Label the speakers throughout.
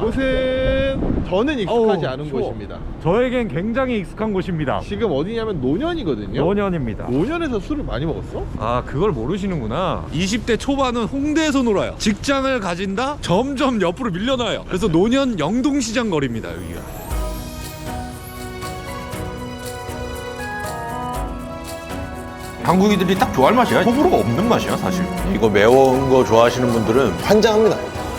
Speaker 1: 이곳은 저는 익숙하지 않은
Speaker 2: 추워.
Speaker 1: 곳입니다.
Speaker 2: 저에겐 굉장히 익숙한 곳입니다.
Speaker 1: 지금 어디냐면 노년이거든요.
Speaker 2: 노년입니다.
Speaker 1: 노년에서 술을 많이 먹었어?
Speaker 2: 아, 그걸 모르시는구나. 20대 초반은 홍대에서 놀아요. 직장을 가진다? 점점 옆으로 밀려나요. 그래서 노년 영동시장 거리입니다, 여기가.
Speaker 3: 한국인들이 딱 좋아할 맛이야. 호불호가 없는 맛이야, 사실. 이거 매운 거 좋아하시는 분들은 환장합니다.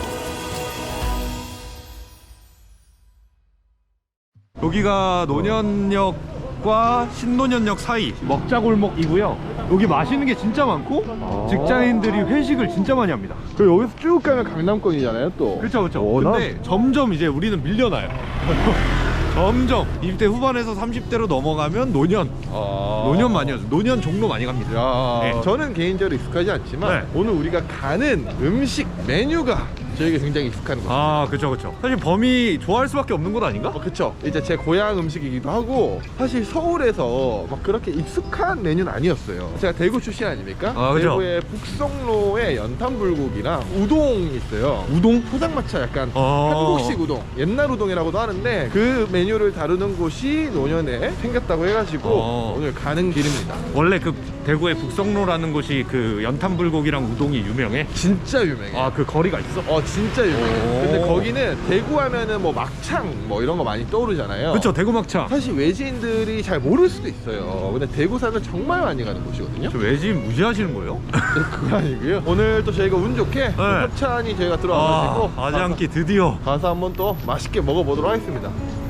Speaker 2: 여기가 노년역과 신노년역 사이 먹자골목이고요. 여기 맛있는 게 진짜 많고 직장인들이 회식을 진짜 많이 합니다.
Speaker 1: 그리고 여기서 쭉 가면 강남권이잖아요 또.
Speaker 2: 그렇죠, 그렇죠.
Speaker 1: 워낙-
Speaker 2: 근데 점점 이제 우리는 밀려나요. 점점 20대 후반에서 30대로 넘어가면 노년. 노년 많이 하죠. 노년 종로 많이 갑니다.
Speaker 1: 야,
Speaker 2: 네.
Speaker 1: 저는 개인적으로 익숙하지 않지만
Speaker 2: 네.
Speaker 1: 오늘 우리가 가는 음식 메뉴가 저에게 굉장히 익숙한 곳.
Speaker 2: 아, 그쵸, 그쵸. 사실 범이 좋아할 수밖에 없는 곳 아닌가?
Speaker 1: 그쵸. 이제 제 고향 음식이기도 하고 사실 서울에서 막 그렇게 익숙한 메뉴는 아니었어요. 제가 대구 출신 아닙니까?
Speaker 2: 아, 그죠.
Speaker 1: 대구의 북성로에 연탄불고기랑 우동이 있어요. 우동? 포장마차 약간 한국식 우동, 옛날 우동이라고도 하는데 그 메뉴를 다루는 곳이 노년에 생겼다고 해가지고 오늘 가는 길입니다.
Speaker 2: 원래 그 대구의 북성로라는 곳이 그 연탄불고기랑 우동이 유명해?
Speaker 1: 진짜 유명해요.
Speaker 2: 아, 그 거리가 있어?
Speaker 1: 진짜 유명해요. 근데 거기는 대구 하면은 뭐 막창 뭐 이런 거 많이 떠오르잖아요.
Speaker 2: 그쵸, 대구 막창.
Speaker 1: 사실 외지인들이 잘 모를 수도 있어요. 근데 대구 사는 정말 많이 가는 곳이거든요.
Speaker 2: 저 외지인 무시하시는 거예요?
Speaker 1: 그거 아니고요. 오늘 또 저희가 운 좋게 또 협찬이 저희가 들어와가지고
Speaker 2: 아장기 드디어.
Speaker 1: 가서 한번 또 맛있게 먹어보도록 하겠습니다.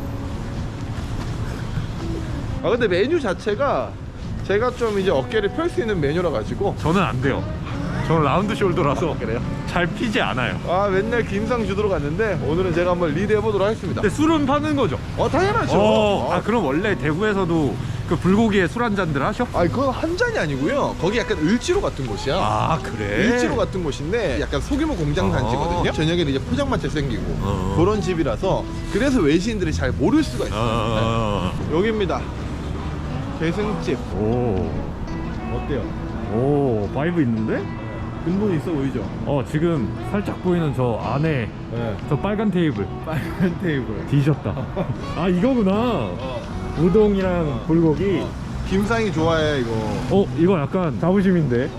Speaker 1: 아 근데 메뉴 자체가 제가 좀 이제 어깨를 펼 수 있는 메뉴라 가지고
Speaker 2: 저는 안 돼요. 저는 라운드 숄더라서
Speaker 1: 그래요?
Speaker 2: 잘 피지 않아요.
Speaker 1: 아 맨날 김상 주도로 갔는데 오늘은 제가 한번 리드해보도록 하겠습니다.
Speaker 2: 근데 술은 파는 거죠?
Speaker 1: 당연하죠.
Speaker 2: 아, 그럼 원래 대구에서도 그 불고기에 술 한 잔들 하셔?
Speaker 1: 그건 한 잔이 아니고요. 거기 약간 을지로 같은 곳이야.
Speaker 2: 아, 그래?
Speaker 1: 을지로 같은 곳인데 약간 소규모 공장 단지거든요. 저녁에는 이제 포장마차 생기고 그런 집이라서 그래서 외지인들이 잘 모를 수가 있어요. 네. 여기입니다. 계승집. 어때요?
Speaker 2: 오, 바이브 있는데?
Speaker 1: 근본 있어 보이죠?
Speaker 2: 지금 살짝 보이는 저 안에
Speaker 1: 네.
Speaker 2: 저 빨간 테이블
Speaker 1: 빨간 테이블.
Speaker 2: 뒤졌다. 아, 이거구나. 우동이랑 불고기.
Speaker 1: 김상이 좋아해 이거.
Speaker 2: 이거 약간 자부심인데.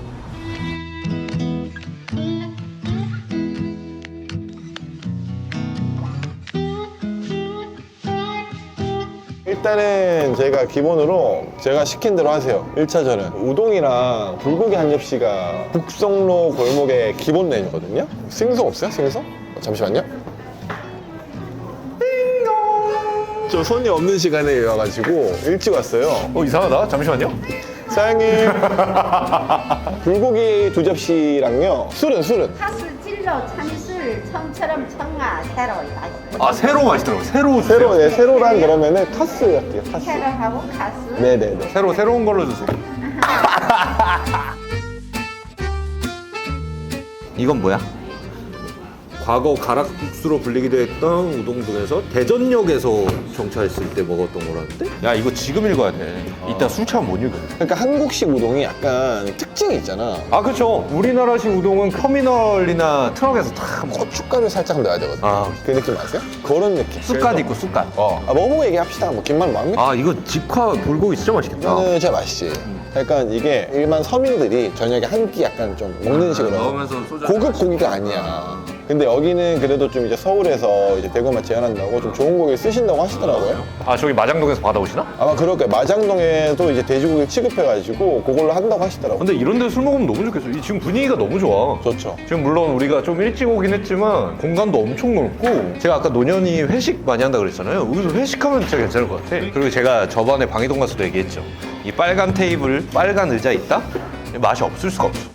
Speaker 4: 일단은 저희가 기본으로 제가 시킨 대로 하세요. 1차전은 우동이랑 불고기 한 접시가 북성로 골목의 기본 메뉴거든요. 생선 없어요? 생선? 잠시만요. 띵동. 저 손님 없는 시간에 와가지고 일찍 왔어요.
Speaker 3: 이상하다. 잠시만요.
Speaker 4: 사장님. 불고기 2접시랑요. 술은?
Speaker 5: 카스 찔러 참이슬 청처럼 청아 새로 맛있어.
Speaker 3: 아, 새로 맛있더라고. 새로 주세요.
Speaker 4: 새로, 네, 새로란 그러면은 카스 할게요. 카스.
Speaker 5: 새로하고 카스.
Speaker 4: 네네네.
Speaker 3: 새로운 걸로 주세요. 이건 뭐야? 과거 가락국수로 불리기도 했던 우동동에서 대전역에서 정차했을 때 먹었던 거라는데? 야, 이거 지금 읽어야 돼. 이따 술 취하면 못 읽어.
Speaker 4: 그러니까 한국식 우동이 약간 특징이 있잖아.
Speaker 3: 아, 그렇죠. 우리나라식 우동은 터미널이나 트럭에서 다 먹어.
Speaker 4: 고춧가루 살짝 넣어야 되거든. 그 느낌 아세요? 그런 느낌.
Speaker 3: 쑥갓 있고 쑥갓.
Speaker 4: 먹어보고 얘기합시다. 뭐 김만 마음입니다.
Speaker 3: 아, 이거 직화 불고기 진짜 맛있겠다.
Speaker 4: 이거는 진짜 맛있지. 약간 이게 일반 서민들이 저녁에 한 끼 약간 좀 먹는 식으로
Speaker 3: 넣으면서 소주
Speaker 4: 고급 고기가 아니야. 근데 여기는 그래도 좀 이제 서울에서 이제 대구만 제한한다고 좀 좋은 고기 쓰신다고 하시더라고요.
Speaker 3: 아, 저기 마장동에서 받아오시나?
Speaker 4: 아마 그럴 거예요. 마장동에도 이제 돼지고기 취급해가지고 그걸로 한다고 하시더라고요.
Speaker 3: 근데 이런 데서 술 먹으면 너무 좋겠어. 지금 분위기가 너무 좋아.
Speaker 4: 좋죠.
Speaker 3: 지금 물론 우리가 좀 일찍 오긴 했지만 공간도 엄청 넓고, 제가 아까 노년이 회식 많이 한다 그랬잖아요. 여기서 회식하면 진짜 괜찮을 것 같아. 그리고 제가 저번에 방이동 가서도 얘기했죠. 이 빨간 테이블, 빨간 의자 있다? 맛이 없을 수가 없어.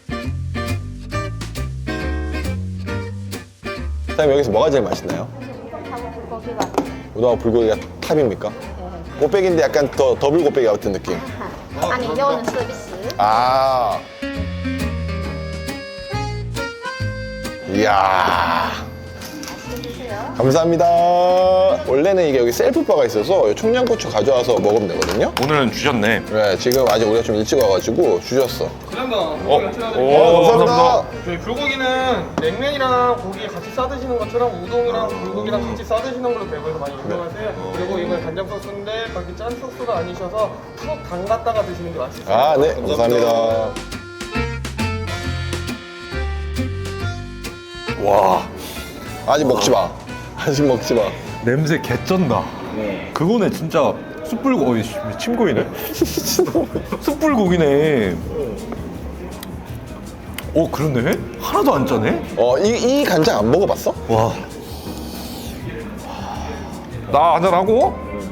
Speaker 4: 사장님 여기서 뭐가 제일 맛있나요?
Speaker 5: 우동하고 불고기가.
Speaker 4: 우동하고 불고기가 탑입니까? 곱빼기인데 약간 더 더블 곱빼기 같은 느낌.
Speaker 5: 아니 이거는 서비스.
Speaker 4: 아. 이야.
Speaker 5: 맛있게 드세요.
Speaker 4: 감사합니다. 원래는 이게 여기 셀프바가 있어서 청양고추 가져와서 먹으면 되거든요.
Speaker 3: 오늘은 주셨네.
Speaker 4: 네, 지금 아직 우리가 좀 일찍 와가지고 주셨어.
Speaker 2: 오,
Speaker 4: 감사합니다.
Speaker 6: 저희 불고기는 냉면이랑 고기 같이 싸드시는 것처럼 우동이랑 불고기랑 같이 싸드시는 걸로 대구에서 많이 유명하세요. 그리고 이건 간장 소스인데 그렇게 짠 소스가 아니셔서 푹 담갔다가 드시는 게 맛있어요.
Speaker 4: 아, 네, 감사합니다.
Speaker 3: 와,
Speaker 4: 아직 먹지 마. 아직 먹지 마.
Speaker 3: 냄새 개쩐다. 그거네 진짜 숯불고기. 침 고이네. 숯불고기네. 오, 그러네. 하나도 안 짜네.
Speaker 4: 이 간장 안 먹어봤어?
Speaker 3: 와. 나 한잔하고?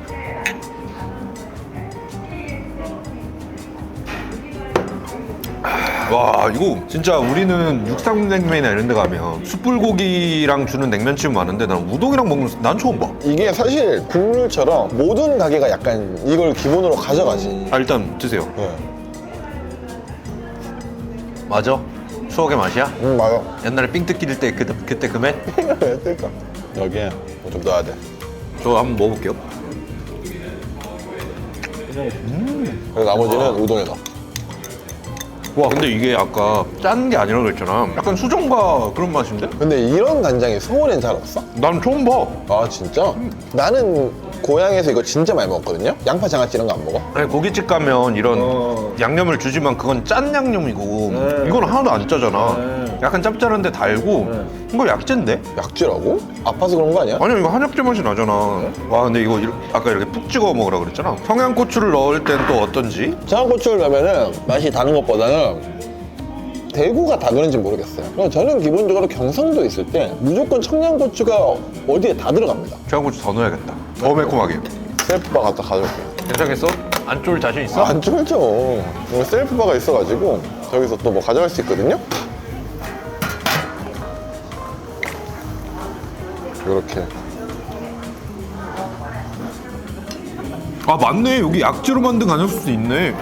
Speaker 3: 와, 이거 진짜 우리는 육상냉면이나 이런 데 가면 숯불고기랑 주는 냉면집은 많은데 난 우동이랑 먹는 난 처음 봐.
Speaker 4: 이게 사실 국물처럼 모든 가게가 약간 이걸 기본으로 가져가지.
Speaker 3: 아, 일단 드세요.
Speaker 4: 네.
Speaker 3: 맞아? 추억의 맛이야?
Speaker 4: 맞아.
Speaker 3: 옛날에 삥 뜯길 때 그때 그 맛?
Speaker 4: 왜 뜰까? 여기에 뭐 좀 넣어야 돼.
Speaker 3: 저 한번 먹어볼게요.
Speaker 4: 그리고 나머지는 우동에 넣어.
Speaker 3: 와, 근데 이게 아까 짠 게 아니라고 그랬잖아. 약간 수정과 그런 맛인데?
Speaker 4: 근데 이런 간장이 서울엔 잘 없어?
Speaker 3: 난 처음 봐.
Speaker 4: 아 진짜? 나는 고향에서 이거 진짜 많이 먹었거든요? 양파 장아찌 이런 거 안 먹어?
Speaker 3: 아니, 고깃집 가면 이런 양념을 주지만 그건 짠 양념이고 이건 하나도 안 짜잖아. 약간 짭짤한데 달고 이거 약재인데?
Speaker 4: 약재라고? 아파서 그런 거 아니야?
Speaker 3: 아니야, 이거 한약재 맛이 나잖아. 와, 근데 이거 아까 이렇게 푹 찍어 먹으라 그랬잖아. 청양고추를 넣을 땐 또 어떤지?
Speaker 4: 청양고추를 넣으면은 맛이 다른 것보다는 대구가 다 그런지 모르겠어요. 그냥 저는 기본적으로 경상도에 있을 때 무조건 청양고추가 어디에 다 들어갑니다.
Speaker 3: 청양고추 더 넣어야겠다. 더 매콤하게.
Speaker 4: 셀프바 갖다 가져올게.
Speaker 3: 괜찮겠어? 안 쫄 자신 있어?
Speaker 4: 안 쫄죠. 여기 셀프바가 있어가지고 저기서 또 뭐 가져갈 수 있거든요. 이렇게.
Speaker 3: 아, 맞네. 여기 약재로 만든 간장소스 있네.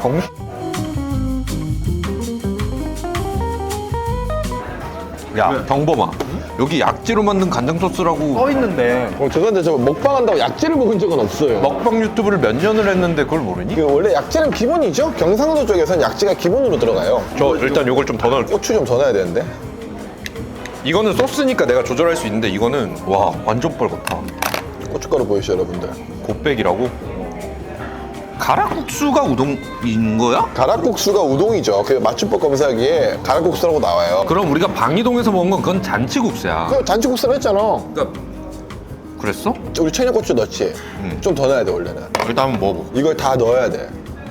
Speaker 3: 야, 경범아. 여기 약재로 만든 간장소스라고 써 있는데
Speaker 4: 죄송한데 저 먹방한다고 약재를 먹은 적은 없어요.
Speaker 3: 먹방 유튜브를 몇 년을 했는데 그걸 모르니?
Speaker 4: 그 원래 약재는 기본이죠. 경상도 쪽에서는 약재가 기본으로 들어가요.
Speaker 3: 저 일단 요걸 좀 더 넣을게.
Speaker 4: 고추 좀 더 넣어야 되는데.
Speaker 3: 이거는 소스니까 내가 조절할 수 있는데 이거는 와, 완전 뻘겋다.
Speaker 4: 고춧가루 보이시죠 여러분들?
Speaker 3: 곱빼기라고? 가락국수가 우동인 거야?
Speaker 4: 가락국수가 우동이죠. 그 맞춤법 검사기에 가락국수라고 나와요.
Speaker 3: 그럼 우리가 방이동에서 먹은 건 그건 잔치국수야.
Speaker 4: 그 잔치국수를 했잖아.
Speaker 3: 그러니까 그랬어?
Speaker 4: 우리 청양고추 넣지. 좀 더 넣어야 돼 원래는.
Speaker 3: 일단 한번 먹어볼게.
Speaker 4: 이걸 다 넣어야 돼.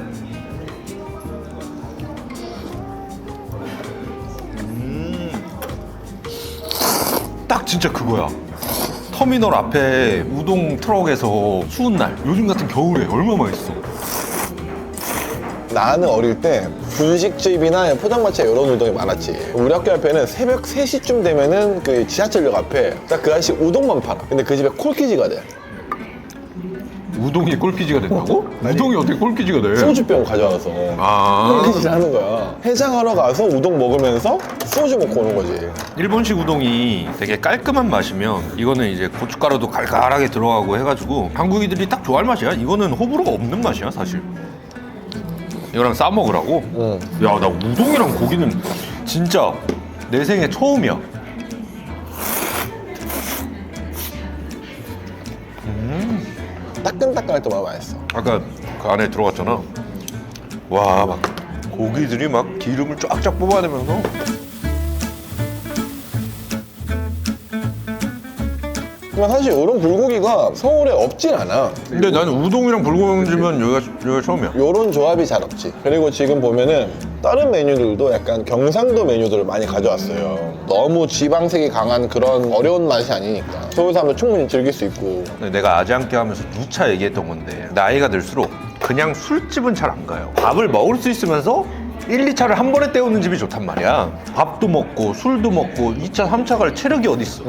Speaker 3: 딱 진짜 그거야. 터미널 앞에 우동 트럭에서 추운 날, 요즘 같은 겨울에 얼마나 맛있어.
Speaker 4: 나는 어릴 때 분식집이나 포장마차 이런 우동이 많았지. 우리 학교 앞에는 새벽 3시쯤 되면은 그 지하철역 앞에 딱 그 아저씨 우동만 팔아. 근데 그 집에 콜키지가 돼.
Speaker 3: 우동이 꼴기지가 된다고? 우동이 어떻게 꼴기지가 돼?
Speaker 4: 소주병 가져와서
Speaker 3: 아,
Speaker 4: 콜키지를 하는 거야. 해장하러 가서 우동 먹으면서 소주 먹고 오는 거지.
Speaker 3: 일본식 우동이 되게 깔끔한 맛이면 이거는 이제 고춧가루도 갈갈하게 들어가고 해가지고 한국인들이 딱 좋아할 맛이야. 이거는 호불호가 없는 맛이야 사실. 이거랑 싸 먹으라고? 야, 나 우동이랑 고기는 진짜 내 생애 처음이야.
Speaker 4: 따끈따끈할 때 너무 맛있어.
Speaker 3: 아까 그 안에 들어갔잖아. 와, 막 고기들이 막 기름을 쫙쫙 뽑아내면서.
Speaker 4: 그러면 사실 이런 불고기가 서울에 없진 않아.
Speaker 3: 근데 나는 우동이랑 불고기면 여기가 처음이야.
Speaker 4: 요런 조합이 잘 없지. 그리고 지금 보면은 다른 메뉴들도 약간 경상도 메뉴들을 많이 가져왔어요. 너무 지방색이 강한 그런 어려운 맛이 아니니까 서울 사람도 충분히 즐길 수 있고.
Speaker 3: 근데 내가 아지않게 하면서 누차 얘기했던 건데 나이가 들수록 그냥 술집은 잘 안 가요. 밥을 먹을 수 있으면서 1, 2차를 한 번에 때우는 집이 좋단 말이야. 밥도 먹고 술도 먹고 2차, 3차 갈 체력이 어딨어.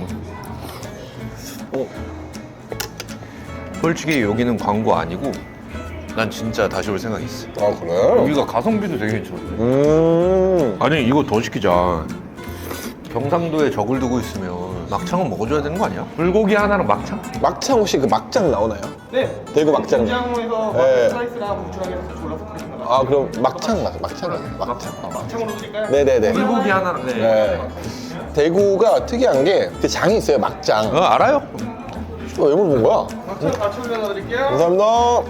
Speaker 3: 솔직히 여기는 광고 아니고 난 진짜 다시 올 생각이 있어.
Speaker 4: 아 그래?
Speaker 3: 여기가 가성비도 되게 괜찮은데. 아니, 이거 더 시키자. 경상도에 적을 두고 있으면 막창은 먹어줘야 되는 거 아니야? 불고기 하나랑 막창?
Speaker 4: 막창 혹시 그 막장 나오나요?
Speaker 6: 네.
Speaker 4: 대구 막장.
Speaker 6: 김장에서
Speaker 4: 네.
Speaker 6: 슬라이스랑 고추랑 해서 같이 골라서 드리는 거.
Speaker 4: 아 그럼 막창 막창.
Speaker 6: 막창으로 드릴까요?
Speaker 4: 네네네.
Speaker 3: 불고기 하나랑. 네.
Speaker 4: 네. 대구가 특이한 게 그 장이 있어요 막장.
Speaker 3: 알아요?
Speaker 4: 왜 물어본 거야?
Speaker 6: 막창 같이 올려드릴게요.
Speaker 4: 감사합니다.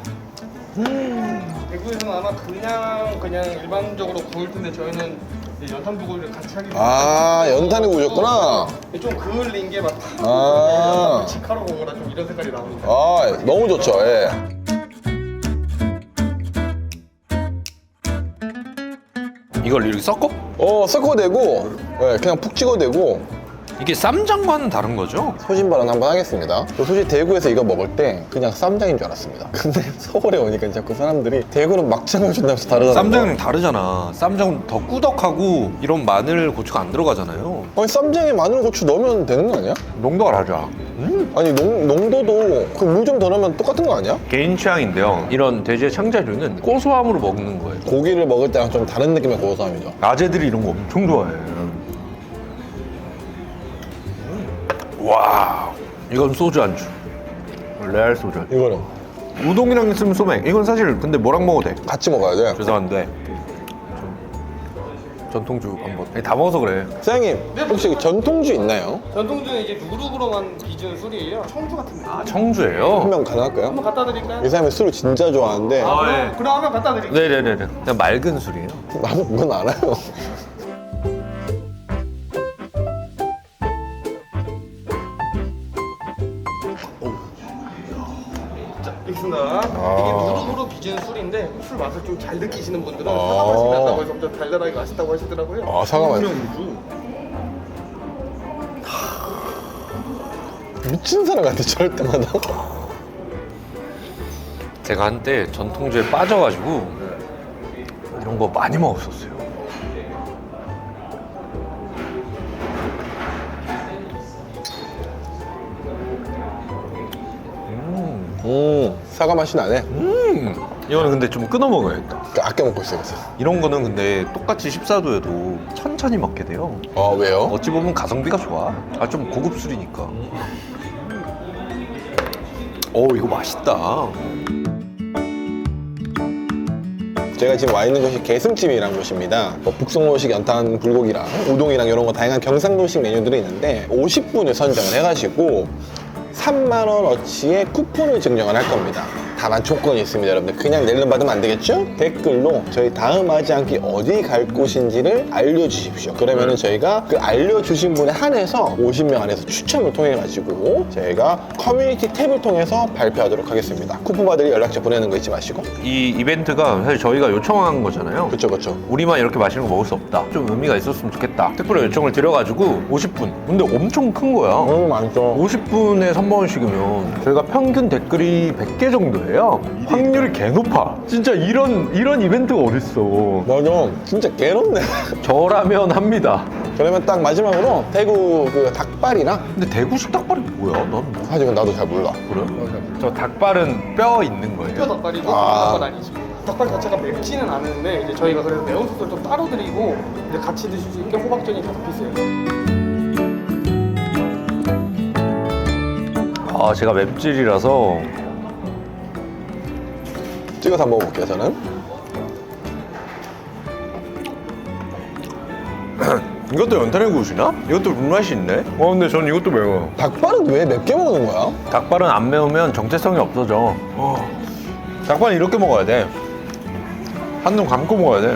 Speaker 6: 대구에서는 아마 그냥 일반적으로 구울 텐데 저희는 이제 연탄불고기를 같이 하기 때문에
Speaker 4: 아 연탄에 구우셨구나.
Speaker 6: 좀 그을린 게막
Speaker 4: 아.
Speaker 6: 직화로 구운 거라 좀 이런 색깔이 나오니까.
Speaker 4: 아 너무 좋죠. 예.
Speaker 3: 이걸 이렇게 섞어?
Speaker 4: 섞어대고 예, 그냥 푹 찍어대고
Speaker 3: 이게 쌈장과는 다른 거죠?
Speaker 4: 소신 발언 한번 하겠습니다. 저 솔직히 대구에서 이거 먹을 때 그냥 쌈장인 줄 알았습니다. 근데 서울에 오니까 자꾸 사람들이 대구는 막장을 준다면서 다르다는
Speaker 3: 쌈장이랑 다르잖아. 쌈장은 더 꾸덕하고 이런 마늘, 고추가 안 들어가잖아요.
Speaker 4: 아니 쌈장에 마늘 고추 넣으면 되는 거 아니야?
Speaker 3: 농도가 다르죠.
Speaker 4: 아니 농도도 그 물 좀 더 넣으면 똑같은 거 아니야?
Speaker 3: 개인 취향인데요. 이런 돼지의 창자류는 고소함으로 먹는 거예요.
Speaker 4: 고기를 먹을 때랑 좀 다른 느낌의 고소함이죠.
Speaker 3: 아재들이 이런 거 엄청 좋아해. 와, 이건 소주 안주. 레알 소주 안주.
Speaker 4: 이거는
Speaker 3: 우동이랑 있으면 소맥. 이건 사실 근데 뭐랑 먹어도 돼.
Speaker 4: 같이 먹어야 돼.
Speaker 3: 죄송한데 전통주 한번. 아니, 다 먹어서 그래.
Speaker 4: 사장님 혹시 전통주 있나요?
Speaker 6: 전통주는 이제 누룩으로만 빚은 술이에요. 청주 같은 거.
Speaker 3: 아, 청주예요?
Speaker 4: 한 명 가능할까요?
Speaker 6: 한번 갖다 드릴까요?
Speaker 4: 이 사람이 술을 진짜 좋아하는데
Speaker 3: 네.
Speaker 6: 그럼 한번 갖다 드릴게요.
Speaker 3: 네네네네. 그냥 맑은 술이에요.
Speaker 4: 나도 그건 알아요.
Speaker 6: 있습니다. 이게 누룩으로 빚은 술인데 술 맛을 좀 잘 느끼시는 분들은 사과 맛이 난다고 해서 좀 달달하게 맛있다고 하시더라고요.
Speaker 4: 아 사과 맛. 미친 사람 같아 저럴 때마다.
Speaker 3: 제가 한때 전통주에 빠져가지고 이런 거 많이 먹었었어요.
Speaker 4: 사과 맛이 나네.
Speaker 3: 이거는 근데 좀 끊어 먹어야겠다.
Speaker 4: 그러니까 아껴 먹고 있어요. 그래서.
Speaker 3: 이런 거는 근데 똑같이 14도여도 천천히 먹게 돼요.
Speaker 4: 왜요?
Speaker 3: 어찌 보면 가성비가 좋아. 좀 고급 술이니까. 이거 맛있다.
Speaker 4: 제가 지금 와 있는 곳이 개슴집이라는 곳입니다. 북송로식 연탄 불고기랑 우동이랑 이런 거 다양한 경상도식 메뉴들이 있는데 50분을 선정을 해가지고 3만 원어치의 쿠폰을 증정을 할 겁니다. 다만 조건이 있습니다, 여러분들. 그냥 낼름 받으면 안 되겠죠? 댓글로 저희 다음 하지 않기 어디 갈 곳인지를 알려주십시오. 그러면은 저희가 그 알려주신 분에 한해서 50명 안에서 추첨을 통해 가지고 저희가 커뮤니티 탭을 통해서 발표하도록 하겠습니다. 쿠폰 받을 연락처 보내는 거 잊지 마시고.
Speaker 3: 이 이벤트가 사실 저희가 요청한 거잖아요.
Speaker 4: 그쵸 그쵸.
Speaker 3: 우리만 이렇게 맛있는 거 먹을 수 없다. 좀 의미가 있었으면 좋겠다. 특별히 요청을 드려가지고 50분. 근데 엄청 큰 거야.
Speaker 4: 많죠.
Speaker 3: 50분에 3만원씩이면 저희가 평균 댓글이 100개 정도예요. 확률이 개 높아. 진짜 이런 이벤트가 어딨어.
Speaker 4: 맞아. 진짜 개롭네.
Speaker 3: 저라면 합니다.
Speaker 4: 그러면 딱 마지막으로 대구 그 닭발이랑
Speaker 3: 근데 대구식 닭발이 뭐야? 난
Speaker 4: 사실 나도 잘 몰라.
Speaker 3: 그래? 저 닭발은 뼈 있는
Speaker 6: 뼈
Speaker 3: 거예요.
Speaker 6: 닭발이고
Speaker 4: 아.
Speaker 6: 닭발 아니죠. 닭발 자체가 맵지는 않은데 이제 저희가 그래서 매운 소스를 좀 따로 드리고 이제 같이 드실 수 있게 호박전이 5피스예요.
Speaker 3: 제가 맵찔이라서
Speaker 4: 찍어서 한번 먹어볼게요 저는.
Speaker 3: 이것도 연탄에 구우시나? 이것도 불맛이 있네? 근데 전 이것도 매워요.
Speaker 4: 닭발은 왜 맵게 먹는 거야?
Speaker 3: 닭발은 안 매우면 정체성이 없어져. 닭발은 이렇게 먹어야 돼. 한눈 감고 먹어야 돼.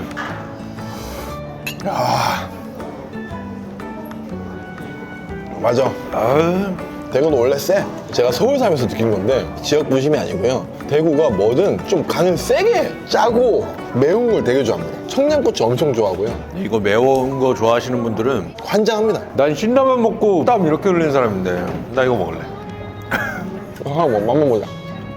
Speaker 4: 맞아. 대구는 원래 세. 제가 서울 살면서 느낀 건데 지역 부심이 아니고요. 대구가 뭐든 좀 간을 세게 짜고 매운 걸 되게 좋아합니다. 청양고추 엄청 좋아하고요.
Speaker 3: 이거 매운 거 좋아하시는 분들은
Speaker 4: 환장합니다.
Speaker 3: 난 신라면 먹고 땀 이렇게 흘리는 사람인데 나 이거 먹을래.
Speaker 4: 하나 한번 보자.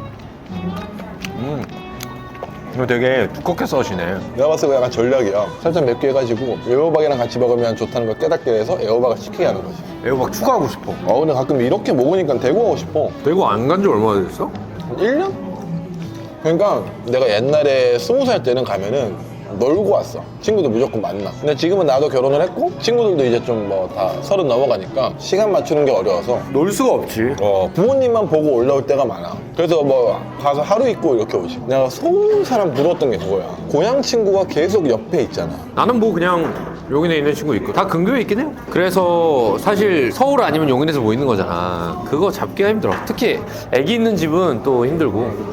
Speaker 3: 이거 되게 두껍게 써시네.
Speaker 4: 내가 봤을 때 약간 전략이야. 살짝 맵게 해가지고 애호박이랑 같이 먹으면 좋다는 걸 깨닫게 해서 애호박을 시키게 하는 거지.
Speaker 3: 애호박 추가하고 싶어.
Speaker 4: 근데 가끔 이렇게 먹으니까 대구 가고 싶어.
Speaker 3: 대구 안 간 지 얼마나 됐어?
Speaker 4: 1년? 그러니까 내가 옛날에 20살 때는 가면은 놀고 왔어. 친구들 무조건 만나. 근데 지금은 나도 결혼을 했고 친구들도 이제 좀 뭐 다 30 넘어가니까 시간 맞추는 게 어려워서
Speaker 3: 놀 수가 없지.
Speaker 4: 부모님만 보고 올라올 때가 많아. 그래서 뭐 가서 하루 있고 이렇게 오지. 내가 서울 사람 부러웠던 게 그거야. 고향 친구가 계속 옆에 있잖아.
Speaker 3: 나는 뭐 그냥 용인에 있는 친구 있고 다 근교에 있긴 해요. 그래서 사실 서울 아니면 용인에서 뭐 있는 거잖아. 그거 잡기가 힘들어. 특히 애기 있는 집은 또 힘들고.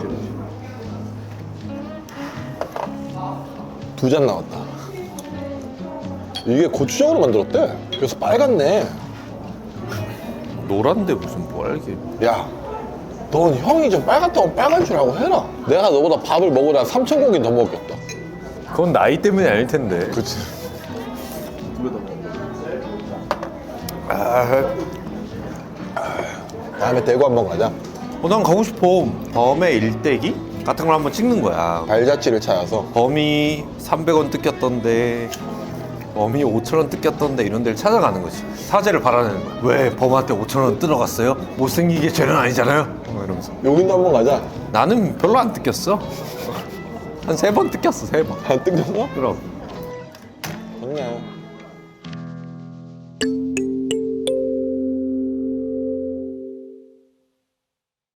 Speaker 4: 2잔 나왔다. 이게 고추장으로 만들었대. 그래서 빨갛네.
Speaker 3: 노란데 무슨 빨개.
Speaker 4: 야, 넌 형이 좀 빨갛다고 빨간 줄 알고 해라. 내가 너보다 밥을 먹으다 3,000고기 더 먹겠다.
Speaker 3: 그건 나이 때문이 아닐 텐데.
Speaker 4: 그치. 다음에 대구 한번 가자.
Speaker 3: 난 가고 싶어. 범의 일대기 같은 걸 한번 찍는 거야.
Speaker 4: 발자취를 찾아서.
Speaker 3: 범이 300원 뜯겼던데, 범이 5,000원 뜯겼던데 이런 데를 찾아가는 거지. 사죄를 바라는 거야. 왜 범한테 5,000원 뜯어갔어요? 못생긴 게 죄는 아니잖아요. 이러면서.
Speaker 4: 여기도 한번 가자.
Speaker 3: 나는 별로 안 뜯겼어. 한 3번 뜯겼어, 3번.
Speaker 4: 안 뜯겼어?
Speaker 3: 그럼.
Speaker 4: 좋네.